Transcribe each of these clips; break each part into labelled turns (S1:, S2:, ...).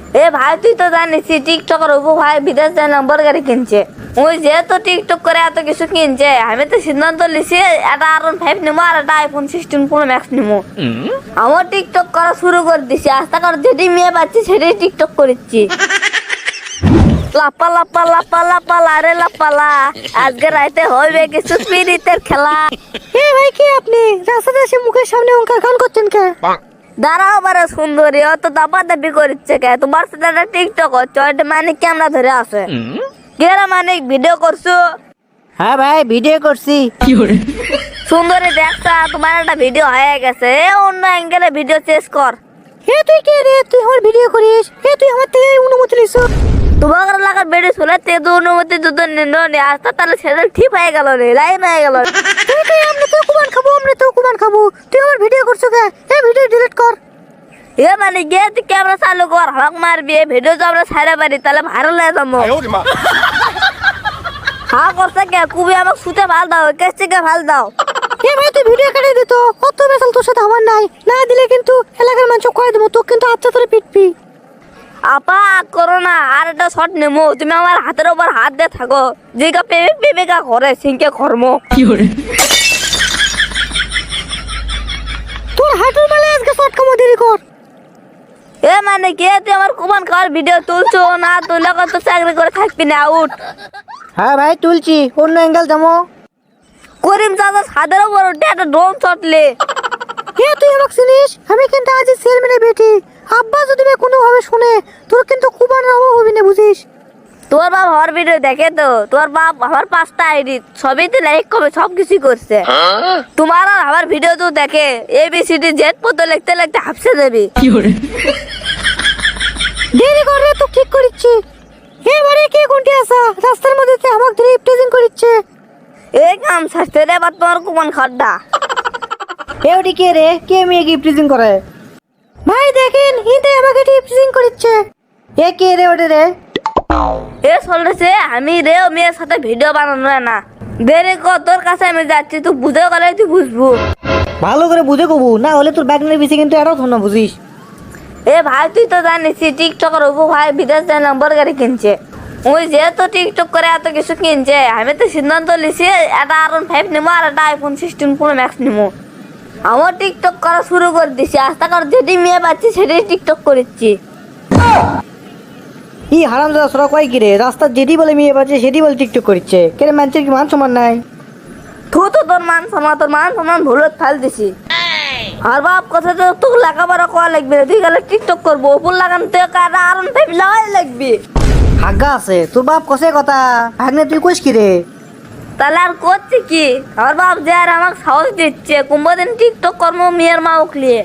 S1: এ ভাই তুই তো জানিস টিকটকের উপর ভাই বিদেশ যায় নম্বর গাড়ি কিনছে। ওই যেহেতু টিকটক করে এত কিছু কিনছে, আমি তো সিদ্ধান্ত নিছি একটা R15 নিবো আর একটা iPhone 16 Pro Max নিবো। আমার টিকটক করা শুরু করে দিছি, আস্তে করে যেটি মেয়ে পাচ্ছি সেটাই টিকটক করেছি। লাপা লাপা লাপা লাপা লারে লাপালা, আজকে রাইতে হইবে কিছু স্পিরিটের খেলা।
S2: এ ভাই কি আপনি রাস্তাতে এসে মুখের সামনে অঙ্কা গান করছেন কে?
S1: দাঁড়াও বারে সুন্দরী, অত দাপা দাপি করছে কে? তোমার সাথে একটা টিকটক হচ্ছে, ওইটা মানিক ক্যামেরা ধরে আছে। কেরা মানিক ভিডিও করছো?
S2: হ্যাঁ ভাই ভিডিও করছি।
S1: সুন্দরী দেখছা তোমার একটা ভিডিও হয়ে গেছে, অন্য অ্যাঙ্গেলে ভিডিও চেস কর।
S2: হে তুই কে রে? তুই আমার ভিডিও করিস? হে তুই আমার থেকে অনুমতি নিছ?
S1: তোমার লাগার ভিডিও শুনে তে তো অনুমতি দুটো নিলো নি, আস্তে তাহলে সেটা ঠিক হয়ে গেল রে, লাইন হয়ে গেল।
S2: আমরা তো কুমান খাবো, আমরা তো কুমান খাবো। তুই আমার ভিডিও করছো কে? এই ভিডিও ডিলিট কর।
S1: এ মানে গিয়ে তুই ক্যামেরা চালু কর, হাক মারবি। এই ভিডিও তো আমরা ছাড়া পারি, তাহলে ভাইরাল হয়ে যাবো। হ্যাঁ করছে কে? কুবি আমাকে শুতে ভাল দাও, কেস থেকে ভাল দাও।
S2: এ ভাই তুই ভিডিও কেটে দিত, কত বেসাল তোর সাথে আমার নাই। না দিলে কিন্তু এলাকার মানুষ কয়ে দেবো, তোকে কিন্তু আচ্ছা ধরে পিটবি।
S1: আপা করো না, আর একটা শট নেমো। তুমি আমার হাতের উপর হাত দিয়ে থাকো, যেটা প্রেমিকা করে সিংকে কর্ম।
S2: তোর হাঁটুর মেলে আজকে শর্ট কামো দেরি কর।
S1: এ মানে কে তুই আমার কুমান খাওয়ার ভিডিও তুলছো না? তুলে কত চাকরি করে থাকবি না, আউট।
S2: হ্যাঁ ভাই তুলছি, অন্য অ্যাঙ্গেল যাবো।
S1: করিম চাচা ছাদের উপর উঠে একটা ড্রোন চটলে।
S2: এ তুই আমাকে চিনিস? আমি কিন্তু আজ চেয়ারম্যানের বেটি। আব্বা যদি কোনোভাবে শুনে, তোর কিন্তু কুবানের অভাব হবে না, বুঝিস?
S1: তোর বাপ আমার ভিডিও দেখে তো, তোর বাপ আমার 5টা আইডি সবই তো লাইক করবে, সব কিছুই করছে। তোমার আর আমার ভিডিও তো দেখে, ABCD Z পর্যন্ত লিখতে লিখতে হাফসে দেবি।
S2: দেরি করে তো ঠিক করিচ্ছি। এবারে কে কোনটি আসা রাস্তার মধ্যে আমাকে ধরে প্রেজেন্ট করিচ্ছে।
S1: এই কাম শাস্তে রে বা তোমার কুমান খাড্ডা।
S2: এওটি কে রে? কে মেয়ে কি প্রেজেন্ট করে? ভাই দেখেন ইতে আমাকে প্রেজেন্ট করিচ্ছে। এ কে রে ওটা রে?
S1: এ চলতেছে আমি রে ও মেয়ের সাথে ভিডিও বানানো না। দেরি কর, তোর কাছে আমি যাচ্ছি, তুই বুঝে গেলে তুই বুঝবো।
S2: ভালো করে বুঝে কবু, না হলে তোর ব্যাগনের পিছিয়ে কিন্তু এটাও ধন্য, বুঝিস?
S1: এ ভাই তুই তো জানিস টিকটকের উপর ভাই বিদেশ যায় নম্বর গাড়ি কিনছে। ওই যেহেতু টিকটক করে এত কিছু কিনছে, আমি তো সিদ্ধান্ত নিছি একটা R15 নিবো আর একটা iPhone 16 Pro Max নিবো। আমার টিকটক করা শুরু করে দিছি, আস্তে করে যেটি মেয়ে পাচ্ছি সেটাই টিকটক করেছি।
S2: ই হারাম দাদা সরা কয় কি রে? রাস্তার যেটি বলে মেয়ে পাচ্ছে সেটি বলে টিকটক করছে। কেন মানুষের কি মান সম্মান নাই?
S1: তোর মান সমান ভুলত ফাল দিছি। আর বাপ কথা তো তোর লেখাপড়া করা লাগবে না, তুই গেলে টিকটক করবো, ওপর লাগান তুই একটা R15 লাগাই লাগবে।
S2: হাগা আছে তোর বাপ কষে কথা, ভাগনে তুই কইস কি রে?
S1: তাহলে আর করছি কি? আমার বাপ যে আর আমাকে সাহস দিচ্ছে, কুম্ভদিন টিকটক কর্ম মেয়ের মা উকলিয়ে।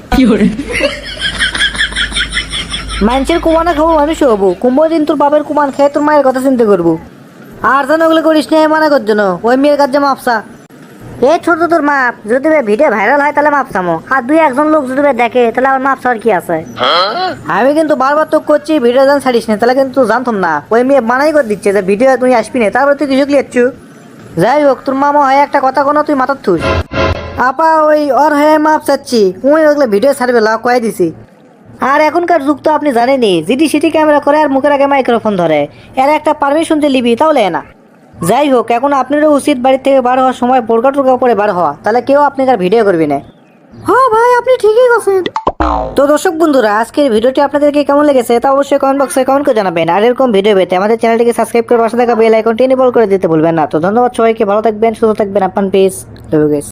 S2: মানুষের কুমানে খাবো, মানুষ হবো। কুম্ভ দিন তোর বাপের কুমান খেয়ে তোর মায়ের কথা চিন্তা করবো। আর যেন ওগুলো করিস না, মানা কর জন্য ওই মেয়ের কাছে মাপসা। এ ছোট তোর মাপ, যদি ভিডিও ভাইরাল হয় তাহলে মাপ চামো, আর দুই একজন লোক যদি দেখে তাহলে আমার মাপ চাওয়ার কি আছে? আমি কিন্তু বারবার তো করছি ভিডিও জান ছাড়িস না, তাহলে কিন্তু জানতাম না। ওই মেয়ে মানাই করে দিচ্ছে যে ভিডিও তুই আসবি না, তারপরে তুই কিছু লিখছু। যাই হোক, তোর মামা হয় একটা কথা কোনো তুই মাথার থুস। আপা ওই ওর হয়ে মাপ চাচ্ছি, ওই ওগুলো ভিডিও ছাড়বে লা কয়ে দিছি। আর এখনকার যুগ তো আপনি জানেনই, জিটি সিটি ক্যামেরা করে আর মুখের আগে মাইক্রোফোন ধরে, এর একটা পারমিশন যে লিবি তাহলে না। যাই হোক, এখন আপনারও উচিত বাড়ি থেকে বার হওয়ার সময় বোরকা টোরকা পরে বার হওয়া, তাহলে কেউ আপনাকে আর ভিডিও করবি না। হ্যাঁ ভাই আপনি ঠিকই বলছেন। তো দর্শক বন্ধুরা, আজকের ভিডিওটি আপনাদেরকে কেমন লেগেছে তা অবশ্যই কমেন্ট বক্সে কমেন্ট করে জানাবেন। আর এরকম ভিডিও পেতে আমাদের চ্যানেলটিকে সাবস্ক্রাইব করে পাশে থাকা বেল আইকনটি এনেবল করে দিতে ভুলবেন না। তো ধন্যবাদ সবাইকে, ভালো থাকবেন, সুস্থ থাকবেন, আপনার পিস।